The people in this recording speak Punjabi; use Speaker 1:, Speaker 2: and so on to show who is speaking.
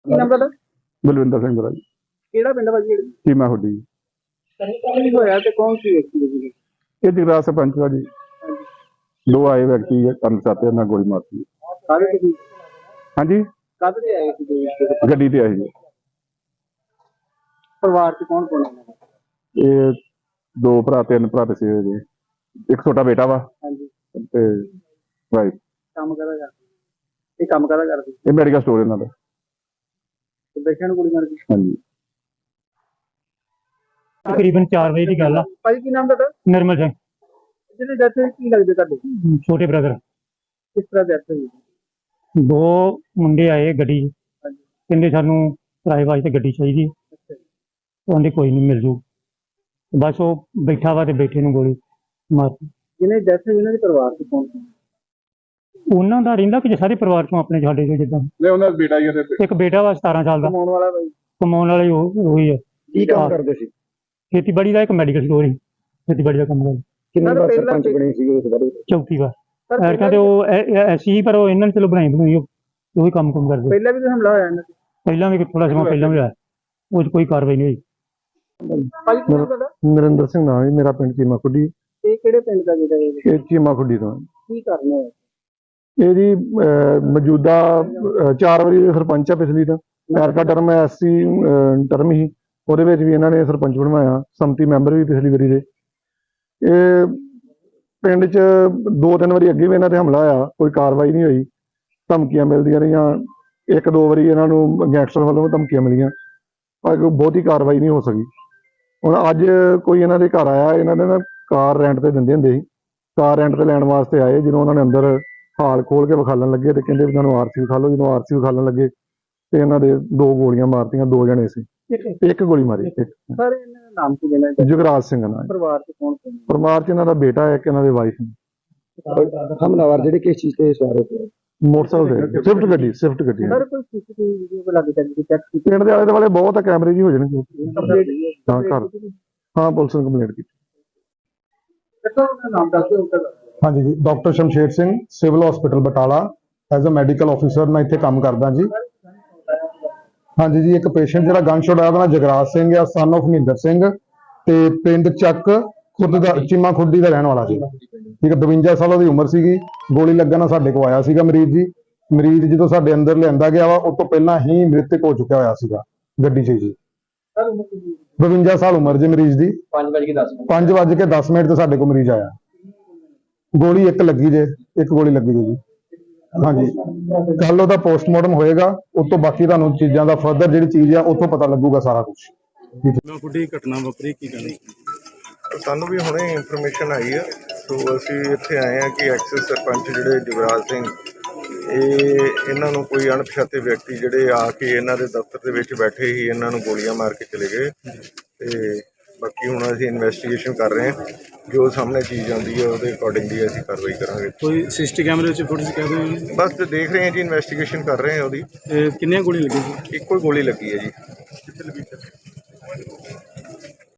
Speaker 1: ਕੀ ਨਾਮ ਤੁਹਾਡਾ?
Speaker 2: ਬਲਵਿੰਦਰ ਸਿੰਘ ਬਰਾਜ
Speaker 1: ਕਿਹੜਾ ਪਿੰਡ ਵਾ ਜੀ?
Speaker 2: ਚੀਮਾ ਹੁੱਡੀ।
Speaker 1: ਕੀ ਹੋਇਆ ਤੇ ਕੌਣ ਸੀ ਵਿਅਕਤੀ ਜੀ?
Speaker 2: ਇਹ ਜਗਰਾ ਸਰਪੰਚ ਵਾ ਜੀ। ਦੋ ਆਏ ਵਿਅਕਤੀ ਕਰਨ ਸਾਤੇ ਨਾਲ ਗੋਲੀ ਮਾਰਤੀ।
Speaker 1: ਕਾਹਦੇ ਤੇ ਸੀ?
Speaker 2: ਹਾਂਜੀ,
Speaker 1: ਕਾਹਦੇ ਤੇ ਆਏ ਸੀ ਜੀ?
Speaker 2: ਗੱਡੀ ਤੇ ਆਏ ਜੀ।
Speaker 1: ਪਰਿਵਾਰ ਚ ਕੌਣ ਕੌਣ ਹੈ?
Speaker 2: ਇਹ ਦੋ ਭਰਾ ਤਿੰਨ ਭਰਾ ਤੇ ਸੀ ਜੀ। ਇੱਕ ਛੋਟਾ ਬੇਟਾ ਵਾ
Speaker 1: ਹਾਂਜੀ।
Speaker 2: ਤੇ ਵਾਈਫ।
Speaker 1: ਕੰਮ ਕਰਦਾ ਕਰਦੇ? ਇਹ ਕੰਮ ਕਰਦਾ ਕਰਦੇ?
Speaker 2: ਇਹ ਮੈਡੀਕਲ ਸਟੋਰ ਇਹਨਾਂ ਦਾ।
Speaker 1: ਤੇ ਦੇਖਿਆ ਨੂੰ ਗੋਲੀ ਮਾਰ ਗਈ?
Speaker 2: ਹਾਂਜੀ।
Speaker 3: ਤਕਰੀਬਨ 4 ਵਜੇ ਦੀ ਗੱਲ ਆ।
Speaker 1: ਭਾਈ ਕੀ ਨਾਮ ਤੁਹਾਡਾ?
Speaker 3: ਨਿਰਮਲ ਸਿੰਘ,
Speaker 1: ਜਿਹਨੇ ਡੈਥ ਹੋਈ ਕੀ ਲੱਗਦੇ ਤੁਹਾਡੇ?
Speaker 3: ਛੋਟੇ ਬ੍ਰਦਰ।
Speaker 1: ਕਿਸ ਤਰ੍ਹਾਂ ਡੈਥ ਹੋਈ?
Speaker 3: ਦੋ ਮੁੰਡੇ ਆਏ ਗੱਡੀ 'ਚ,
Speaker 1: ਹਾਂਜੀ।
Speaker 3: ਕਹਿੰਦੇ ਸਾਨੂੰ ਕਿਰਾਏ ਵਾਸਤੇ ਗੱਡੀ ਚਾਹੀਦੀ।
Speaker 1: ਅੱਛਾ ਜੀ।
Speaker 3: ਉਹਨੇ ਕੋਈ ਨਹੀਂ ਮਿਲ ਜੂ। ਬਸ ਉਹ ਬੈਠਾ ਵਾ ਤੇ ਬੈਠੇ ਨੂੰ ਗੋਲੀ ਮਾਰਤੀ।
Speaker 1: ਜਿਹਨੇ ਡੈਥ ਹੋਈ ਉਹਨਾਂ ਦੇ ਪਰਿਵਾਰ ਚ ਕੌਣ ਕੌਣ?
Speaker 3: ਉਹਨਾਂ ਦਾ ਰਹਿੰਦਾ ਕਿ ਸਾਰੇ ਪਰਿਵਾਰ ਚੋਂ ਆਪਣੇ ਸਾਡੇ ਚੋਂ ਜਿੱਦਾਂ
Speaker 2: ਨਹੀਂ, ਉਹਨਾਂ ਦਾ ਬੇਟਾ ਹੀ ਹੈ।
Speaker 3: ਇੱਕ ਬੇਟਾ ਵਾ 17 ਸਾਲ ਦਾ।
Speaker 1: ਕਮਾਉਣ ਵਾਲਾ ਬਾਈ?
Speaker 3: ਕਮਾਉਣ ਵਾਲੇ ਉਹੀ ਹੈ।
Speaker 1: ਕੀ ਕੰਮ ਕਰਦੇ ਸੀ?
Speaker 3: ਖੇਤੀਬਾੜੀ ਦਾ, ਇੱਕ ਮੈਡੀਕਲ ਸਟੋਰ ਹੀ ਖੇਤੀਬਾੜੀ ਦਾ ਕੰਮ ਕਰਦਾ।
Speaker 1: ਕਿੰਨੇ ਵਾਰ ਸਰਪੰਚ ਬਣੇ ਸੀ ਉਸ ਬਾਰੇ?
Speaker 3: ਚੌਥੀ ਵਾਰ। ਕਹਿੰਦੇ ਉਹ ਐਸੀ ਪਰ ਉਹ ਇਹਨਾਂ ਨੇ ਚਲੋ ਬਣਾਈ ਬਣਾਈ ਉਹੀ ਕੰਮ ਕਰਦੇ।
Speaker 1: ਪਹਿਲਾਂ ਵੀ ਹਮਲਾ ਹੋਇਆ ਇਹਨਾਂ ਤੇ?
Speaker 3: ਪਹਿਲਾਂ ਵੀ ਥੋੜਾ ਸਮਾਂ ਪਹਿਲਾਂ ਵੀ ਹੋਇਆ, ਉਹ 'ਚ ਕੋਈ ਕਾਰਵਾਈ ਨਹੀਂ ਹੋਈ।
Speaker 1: ਭਾਈ ਕੀ ਨਾਮ ਤੁਹਾਡਾ?
Speaker 2: ਨਰਿੰਦਰ ਸਿੰਘ ਨਾਮ ਹੈ ਮੇਰਾ, ਪਿੰਡ ਚੀਮਾ ਖੁੱਡੀ।
Speaker 1: ਇਹ ਕਿਹੜੇ ਪਿੰਡ ਦਾ ਜਿਹੜਾ
Speaker 2: ਇਹ ਚੀਮਾ ਖੁੱਡੀ ਤੋਂ।
Speaker 1: ਕੀ ਕਰਨਾ ਹੈ?
Speaker 2: ਇਹ ਜੀ ਮੌਜੂਦਾ 4 ਵਾਰੀ ਸਰਪੰਚ ਆ ਪਿਛਲੀ ਤਾਂ। ਐਰਕਾ ਟਰਮ ਐਸਸੀ ਟਰਮ ਹੀ, ਉਹਦੇ ਵਿੱਚ ਵੀ ਇਹਨਾਂ ਨੇ ਸਰਪੰਚ ਬਣਵਾਇਆ। ਸੰਮਤੀ ਮੈਂਬਰ ਵੀ ਪਿਛਲੀ ਵਾਰੀ ਦੇ। ਇਹ ਪਿੰਡ 'ਚ 2-3 ਵਾਰੀ ਅੱਗੇ ਵੀ ਇਹਨਾਂ ਤੇ ਹਮਲਾ ਹੋਇਆ, ਕੋਈ ਕਾਰਵਾਈ ਨਹੀਂ ਹੋਈ। ਧਮਕੀਆਂ ਮਿਲਦੀਆਂ ਰਹੀਆਂ। 1-2 ਵਾਰੀ ਇਹਨਾਂ ਨੂੰ ਗੈਂਗਸਟਰ ਵੱਲੋਂ ਧਮਕੀਆਂ ਮਿਲੀਆਂ, ਪਰ ਕੋਈ ਬਹੁਤੀ ਕਾਰਵਾਈ ਨਹੀਂ ਹੋ ਸਕੀ। ਹੁਣ ਅੱਜ ਕੋਈ ਇਹਨਾਂ ਦੇ ਘਰ ਆਇਆ, ਇਹਨਾਂ ਨੇ ਨਾ ਕਾਰ ਰੈਂਟ ਤੇ ਦਿੰਦੇ ਹੁੰਦੇ ਸੀ, ਕਾਰ ਰੈਂਟ ਤੇ ਲੈਣ ਵਾਸਤੇ ਆਏ। ਜਦੋਂ ਉਹਨਾਂ ਨੇ ਅੰਦਰ ਹਾਲ ਖੋਲ ਕੇ ਵਿਖਾਲਣ ਲੱਗੇ ਤੇ ਕਹਿੰਦੇ ਵੀ ਤੁਹਾਨੂੰ ਆਰਸੀ ਵਿਖਾ ਲਓ। ਜਦੋਂ ਆਰਸੀ ਵਿਖਾਲਣ ਲੱਗੇ ਤੇ ਇਹਨਾਂ ਦੇ 2 ਗੋਲੀਆਂ ਮਾਰਤੀਆਂ। 2 ਜਣੇ ਸੀ, ਇੱਕ ਗੋਲੀ ਮਾਰੀ।
Speaker 1: ਸਰ ਇਹਨਾਂ ਦਾ ਨਾਮ ਕੀ ਦੇਣਾ?
Speaker 2: ਜੁਗਰਾਜ ਸਿੰਘ ਨਾਲ।
Speaker 1: ਪਰਿਵਾਰ ਚ ਕੌਣ ਕੌਣ?
Speaker 2: ਪਰਿਵਾਰ 'ਚ ਇਹਨਾਂ ਦਾ ਬੇਟਾ ਹੈ, ਇੱਕ ਇਹਨਾਂ ਦੇ ਵਾਈਫ ਨੇ।
Speaker 1: ਹਮਲਾਵਰ ਜਿਹੜੇ ਕਿਸ ਚੀਜ਼ ਤੇ ਸਵਾਰ ਹੋਏ?
Speaker 2: ਮੋਟਰਸਾਈਕਲ ਤੇ ਸਵਿਫਟ ਗੱਡੀ।
Speaker 1: ਸਰ ਕੋਈ ਸੀਸੀਟੀਵੀ ਵੀਡੀਓ ਕੋਲ ਲੱਗ ਜਾਂਦੀ ਚੈੱਕ ਕੀਤੀ?
Speaker 2: ਪਿੰਡ ਦੇ ਆਲੇ ਦੁਆਲੇ ਬਹੁਤ ਆ, ਕੈਮਰੇ ਜੀ ਹੋ ਜਾਣਗੇ।
Speaker 1: ਕੰਪਲੀਟ
Speaker 2: ਹਾਂ ਘਰ, ਹਾਂ ਪੁਲਿਸ ਨੂੰ ਕੰਪਲੇਂਟ ਕੀਤੀ।
Speaker 1: ਨਾਮ ਦੱਸ ਦਿਓ।
Speaker 4: ਹਾਂਜੀ ਜੀ, doctor Shamsher Singh, civil hospital Batala, as a medical officer ਮੈਂ ਇੱਥੇ ਕੰਮ ਕਰਦਾ ਜੀ। ਹਾਂਜੀ ਜੀ, ਇੱਕ ਪੇਸ਼ੈਂਟ ਜਿਹੜਾ ਗਨ ਸ਼ਾਟ ਆਇਆ ਉਹਦਾ ਨਾਮ ਜਗਰਾਜ ਸਿੰਘ ਆ, ਸਨ ਆਫ ਮਹਿੰਦਰ ਸਿੰਘ, ਤੇ ਪਿੰਡ ਚੱਕ ਖੁਰਦ ਦਾ, ਚੀਮਾ ਖੁੱਡੀ ਦਾ ਰਹਿਣ ਵਾਲਾ ਸੀ। ਠੀਕ ਹੈ, 52 ਸਾਲ ਉਹਦੀ ਉਮਰ ਸੀਗੀ। ਗੋਲੀ ਲੱਗਣ ਨਾਲ ਸਾਡੇ ਕੋਲ ਆਇਆ ਸੀਗਾ ਮਰੀਜ਼ ਜੀ। ਮਰੀਜ਼ ਜਦੋਂ ਸਾਡੇ ਅੰਦਰ ਲਿਆਂਦਾ ਗਿਆ ਵਾ, ਉਸ ਤੋਂ ਪਹਿਲਾਂ ਹੀ ਮ੍ਰਿਤਕ ਹੋ ਚੁੱਕਿਆ ਹੋਇਆ ਸੀਗਾ ਗੱਡੀ 'ਚ ਜੀ। 52 ਸਾਲ ਉਮਰ ਜੀ ਮਰੀਜ਼ ਦੀ। 5:10 ਤੇ ਸਾਡੇ ਕੋਲ ਮਰੀਜ਼ ਆਇਆ। ਗੋਲੀ ਇੱਕ ਲੱਗੀ ਜੇ, ਇੱਕ ਗੋਲੀ ਲੱਗੀ ਜੀ। ਹਾਂਜੀ, ਕੱਲ ਉਹਦਾ ਪੋਸਟਮਾਰਟਮ ਹੋਏਗਾ, ਉਸ ਤੋਂ ਬਾਕੀ ਤੁਹਾਨੂੰ ਚੀਜ਼ਾਂ ਦਾ ਫਰਦਰ ਜਿਹੜੀ ਚੀਜ਼ ਆ ਉੱਥੋਂ ਪਤਾ ਲੱਗੂਗਾ ਸਾਰਾ ਕੁਝ।
Speaker 5: ਕੋਈ ਘਟਨਾ ਵਾਪਰੀ ਕੀ ਕਹਿੰਦੇ?
Speaker 6: ਸਾਨੂੰ ਵੀ ਹੁਣੇ ਇਨਫੋਰਮੇਸ਼ਨ ਆਈ ਹੈ, ਸੋ ਅਸੀਂ ਇੱਥੇ ਆਏ ਹਾਂ ਕਿ ਐਕਸਿਸ ਸਰਪੰਚ ਜਿਹੜੇ ਜੁਗਰਾਜ ਸਿੰਘ, ਇਹਨਾਂ ਨੂੰ ਕੋਈ ਅਣਪਛਾਤੇ ਵਿਅਕਤੀ ਜਿਹੜੇ ਆ ਕੇ ਇਹਨਾਂ ਦੇ ਦਫ਼ਤਰ ਦੇ ਵਿੱਚ ਬੈਠੇ ਹੀ ਇਹਨਾਂ ਨੂੰ ਗੋਲੀਆਂ ਮਾਰ ਕੇ ਚਲੇ ਗਏ। ਤੇ ਬਾਕੀ ਹੁਣ ਅਸੀਂ ਇਨਵੈਸਟੀਗੇਸ਼ਨ ਕਰ ਰਹੇ ਹਾਂ, ਜੋ ਸਾਹਮਣੇ ਚੀਜ਼ ਆਉਂਦੀ ਹੈ ਉਹਦੇ ਅਕੋਰਡਿੰਗਲੀ ਅਸੀਂ ਕਾਰਵਾਈ ਕਰਾਂਗੇ।
Speaker 5: ਕੋਈ ਸਿਸਟੀ ਕੈਮਰੇ ਵਿੱਚ ਫੁਟੇਜ ਕਹਿ ਦਿਓ?
Speaker 6: ਬਸ ਦੇਖ ਰਹੇ ਹਾਂ ਜੀ, ਇਨਵੈਸਟੀਗੇਸ਼ਨ ਕਰ ਰਹੇ ਹਾਂ ਉਹਦੀ।
Speaker 5: ਕਿੰਨੀਆਂ ਗੋਲੀਆਂ ਲੱਗੀਆਂ ਸੀ?
Speaker 6: ਇੱਕੋ ਹੀ ਗੋਲੀ ਲੱਗੀ ਹੈ ਜੀ।